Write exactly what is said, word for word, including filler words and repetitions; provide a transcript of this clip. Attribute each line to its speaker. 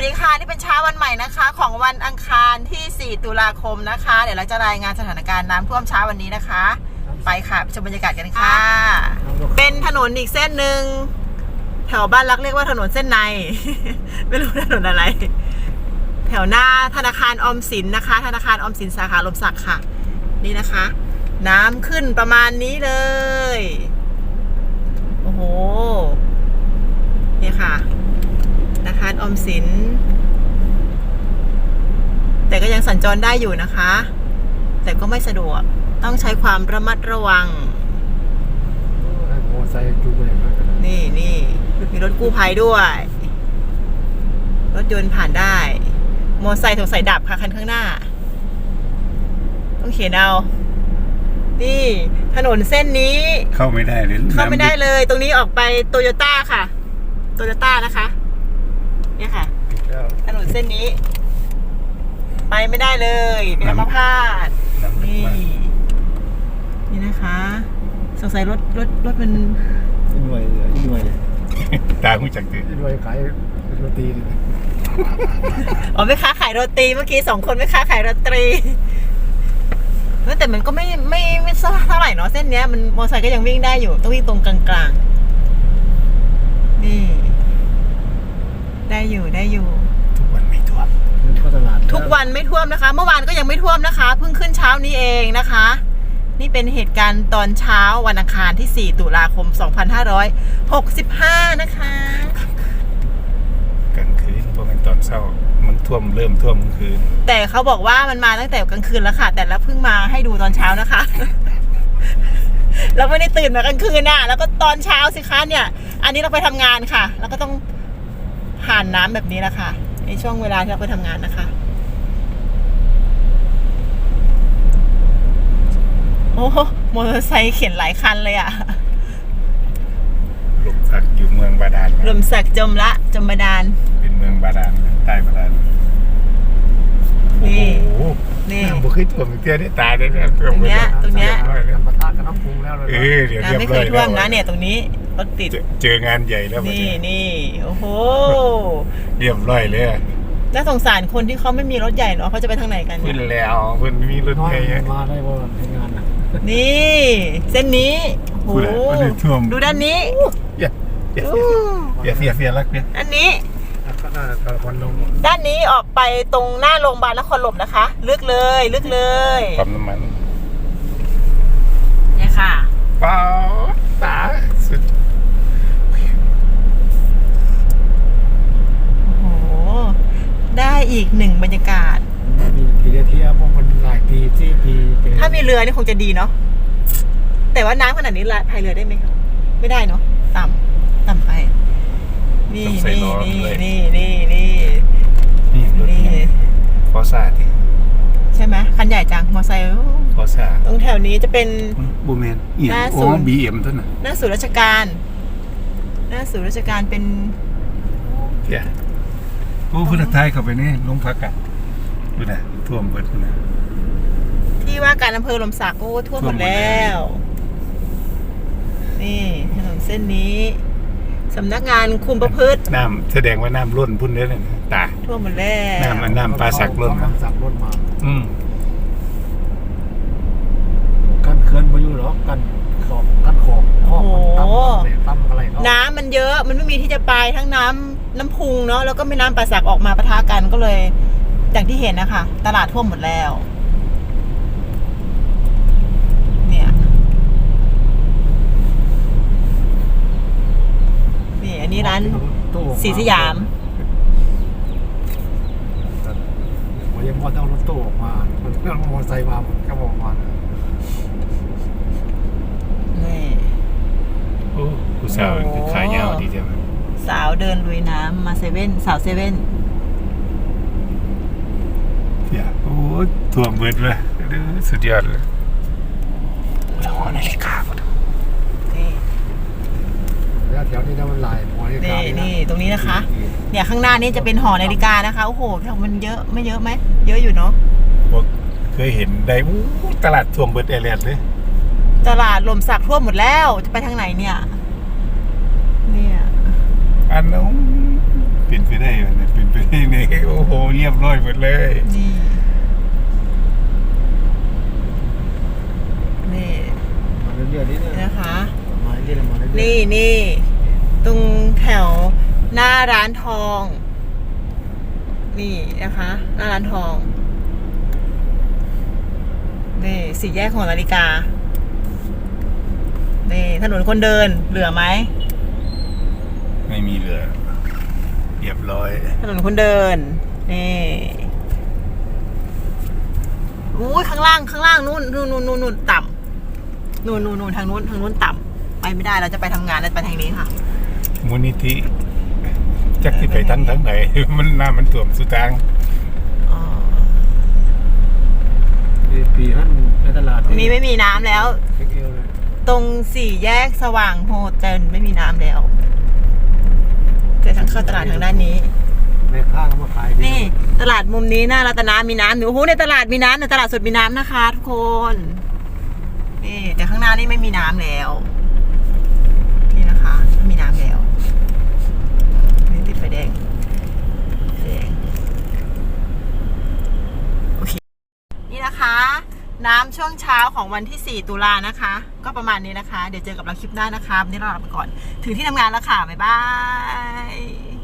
Speaker 1: ดีค่ะนี่เป็นเช้าวันใหม่นะคะของวันอังคารที่สี่ตุลาคมนะคะเดี๋ยวเราจะรายงานสถานการณ์น้ำท่วมเช้าวันนี้นะคะไปค่ะไปชมบรรยากาศกันค่ะเป็นถนนอีกเส้นหนึ่งแถวบ้านรักเรียกว่าถนนเส้นใน ไม่รู้ถนนอะไรแถวหน้าธนาคารออมสินนะคะธนาคารออมสินสาขาลมศักดิ์ค่ะนี่นะคะน้ำขึ้นประมาณนี้เลยโอ้โหนี่ค่ะธนาคารออมสินแต่ก็ยังสัญจรได้อยู่นะคะแต่ก็ไม่สะดวกต้องใช้ความระมัดระวัง
Speaker 2: มอไซค์จูงไปมากกัน
Speaker 1: นี่นี่มีรถกู้ภัยด้วยรถยนต์ผ่านได้มอไซค์สงสัยดับค่ะคันข้างหน้าต้องเขียนเอานี่ถนนเส้นนี้
Speaker 3: เข้าไม่ได้เลย
Speaker 1: เข้าไม่ได้เลยตรงนี้ออกไปโตโยต้าค่ะโตโยต้านะคะเนี่ยค่ะถนนเส้นนี้ไปไม่ได้เลยเป็นอัมพาตนี่นี่นะคะสงสัยรถรถรถมัน
Speaker 2: หน่วยหน่วย
Speaker 3: ตาหูจักตื่น
Speaker 2: หน่วยขายโรตี
Speaker 1: อ๋อไม่ค้าขายโรตีเมื่อกี้สองคนไม่ค้าขายโรตีแต่มันก็ไม่ไม่ไม่เท่าไหร่เนาะเส้นเนี้ยมันมอเตอร์ไซค์ก็ยังวิ่งได้อยู่ต้องวิ่งตรงกลางๆนี่ได้อยู่ได้อยู่
Speaker 3: ทุกวันไม่ท่วม
Speaker 1: ทุกวันไม่ท่วมนะคะเมื่อวานก็ยังไม่ท่วมนะคะเพิ่งขึ้นเช้านี้เองนะคะนี่เป็นเหตุการณ์ตอนเช้าวันอังคารที่สี่ตุลาคมสองพันห้าร้อยหกสิบห้านะคะ
Speaker 3: กลางคืนเพราะมันตอนเช้ามันท่วมเริ่มท่วมกลางคืน
Speaker 1: แต่เขาบอกว่ามันมาตั้งแต่กลางคืนแล้วค่ะแต่ละเพิ่งมาให้ดูตอนเช้านะคะเราไม่ได้ตื่นมากลางคืนน่ะแล้วก็ตอนเช้าสิคะเนี่ยอันนี้เราไปทำงานค่ะแล้วก็ต้องผ่านน้ำแบบนี้แหละค่ะในช่วงเวลาที่เราไปทำงานนะคะโอ้มอเตอร์ไซค์เข็นหลายคันเลยอ่ะ
Speaker 3: ลมสักอยู่เมืองบาดาล
Speaker 1: ลมสักจมละจมบาดาล
Speaker 3: เป็นเมืองบาดาลใต้บาดาล
Speaker 1: นี่
Speaker 3: นี่บุคคลท่วมเตี้ยได้ตายได้เนี่ยต
Speaker 1: รงเนี้ยตรงเนี้ย
Speaker 2: ประทานกับน้ำพุงแล้วเลย
Speaker 3: เออเดี๋ยว
Speaker 1: ไม่เคยท่วมนะเนี่ยตรงนี้รถติด
Speaker 3: เจองานใหญ่แล้ว
Speaker 1: นี่นี่โอ้โห
Speaker 3: เรียบร้อยเลย
Speaker 1: น่าสงสารคนที่เขาไม่มีรถใหญ่เนาะเขาจะไปทางไหนกัน
Speaker 3: ขึ้นแล้วเพื่อนมีรถใหญ่
Speaker 2: มาได้บ่ในงานนะ
Speaker 1: นี่เส้นนี้โอ้โหดูด้านนี้
Speaker 3: อย่าอย่าอย่าเสียเสียรักเนี่ย
Speaker 1: อันนี้ด้านนี้ออกไปตรงหน้าโรงพยาบาลนครหลวงนะคะลึกเลยลึกเลย
Speaker 3: ปั๊มน้ำมัน
Speaker 1: เนี่ยค่ะ
Speaker 3: เปล่าตาสุด
Speaker 1: โอ้โหได้อีกหนึ่งบรรยากาศ
Speaker 2: มีปีเที่ยวพวกคนหลายปีที่ปี
Speaker 1: ถ้ามีเรือนี่คงจะดีเนาะแต่ว่าน้ำขนาดนี้พายเรือได้ไหมครับไม่ได้เนาะต่ำต่ำไปนี่นี่นี่นี่นี่
Speaker 3: นี่นี่นี่ฟอซ่าที่
Speaker 1: ใช่ไหมคันใหญ่จังมอไซค์
Speaker 3: ฟอซ่า
Speaker 1: ตรงแถวนี้จะเป็น
Speaker 3: บูแมนหน้าศูนย์บีเอ็มต้นน่ะ
Speaker 1: หน้าศูนย์ราชการหน้าศูนย์ราชการเป็น
Speaker 3: เดี๋ยวโอ้พุทธทาสเข้าไปนี่ลงพักอ่ะดูนะท่วมเบิดนะ
Speaker 1: ที่ว่าการอำเภอลมศักดิ์โอ้ท่วมหมดแล้วนี่ถนนเส้นนี้สำนักงานคุมประพฤติ
Speaker 3: น้ำแสดงว่าน้ำล้นพุ่นได้เลยตา
Speaker 1: ท่วมหมดแล้ว
Speaker 3: น้ำมันน้ำปลาสักล้น
Speaker 2: น้ำสักล้นมา
Speaker 3: อืม
Speaker 2: กันเขื่อนพายุหรอกันขอบกันขอบ
Speaker 1: โอ้โห
Speaker 2: ตั้มอะไร
Speaker 1: น้ำมันเยอะมันไม่มีที่จะไปทั้งน้ำน้ำพุงเนาะแล้วก็ไม่น้ำปลาสักออกมาปะทะกันก็เลยอย่างที่เห็นนะคะตลาดท่วมหมดแล้วเนี่ยนี่อันนี้ร้านสีสยาม
Speaker 2: วันยังพอต้องรถตู้ออกมามันเครื่องมอเตอร์ไซค์มาหมดก็บอกมา
Speaker 1: นี่
Speaker 3: โอ้ผู้สาวขายยาวดีจัง
Speaker 1: สาวเดินลุยน้ำมาเซเว่นสาวเซเว่น
Speaker 3: อย่าโอ้ท่วมเบิดเลยสุดยอดเลยหอนาฬิกาก็ดู
Speaker 1: นี่
Speaker 2: แล้วแถวนี้มันลายหอนาฬิกา
Speaker 1: นี่นี่ตรงนี้นะคะเนี่ยข้างหน้านี้จะเป็นหอนาฬิกานะคะโอ้โหมันเยอะไม่เยอะไหมเยอะอยู่เนาะ
Speaker 3: เคยเห็นได้ตลาดท่วมเบิดเอเลียนเลย
Speaker 1: ตลาดลมสักท่วมหมดแล้วจะไปทางไหนเนี่ยเนี่ย
Speaker 3: อันนู้นเป็นไปได้มันเป็นไปได้เนี่ยโอ้โหเรียบร้อยหมดเลย
Speaker 1: นี่นี่
Speaker 2: มาเรื่อยๆนี่นะ
Speaker 1: นะคะ
Speaker 2: มาเรื่อยๆมาเรื่อยๆ
Speaker 1: นี่นี่ตรงแถวหน้าร้านทอง นี่นะคะ หน้าร้านทองนี่สี่แยกของนาฬิกานี่ถนนคนเดินเหลือไหม
Speaker 3: ไม่มีเหลือเรียบร้อย
Speaker 1: ถนนคนเดินนี่อู้ยข้างล่างข้างล่างนู่นนู่นนู่นนู่นนู่นต่ำนู่นนู่นนู่นทางนู้นทางนู้นต่ำไปไม่ได้เราจะไปทำงานแล้วไปทางนี้ค่ะ
Speaker 3: มูลนิธิจักที่ไปทั้งทั้งไหน มันน้ามันท่วมสุดทาง
Speaker 1: อ๋อ
Speaker 2: นี่ปีท่านในตลาด
Speaker 1: มีไม่มีน้ำแล้ว
Speaker 2: เช็คเอลเลย
Speaker 1: ตรงสี่แยกสว่างโฮเทลไม่มีน้ำแล้วแต่ทางเข้าตลาดทางด้านนี้
Speaker 2: แม่ค้าก็มาขายดี
Speaker 1: นี่ตลาดมุมนี้หน้ารัตนามีน้ำอยู่โอ้โหในตลาดมีน้ำในตลาดสดมีน้ำนะคะทุกคนนี่แต่ข้างหน้านี่ไม่มีน้ำแล้วนี่นะคะไม่มีน้ำแล้วนี่ติดไฟแดงไฟแดงโอเคนี่นะคะ น้ำช่วงเช้าของวันที่สี่ตุลานะคะ ก็ประมาณนี้นะคะ เดี๋ยวเจอกับเราคลิปหน้านะคะวันนี้เราลาไปก่อนถึงที่ทำงานแล้วค่ะบ๊ายบาย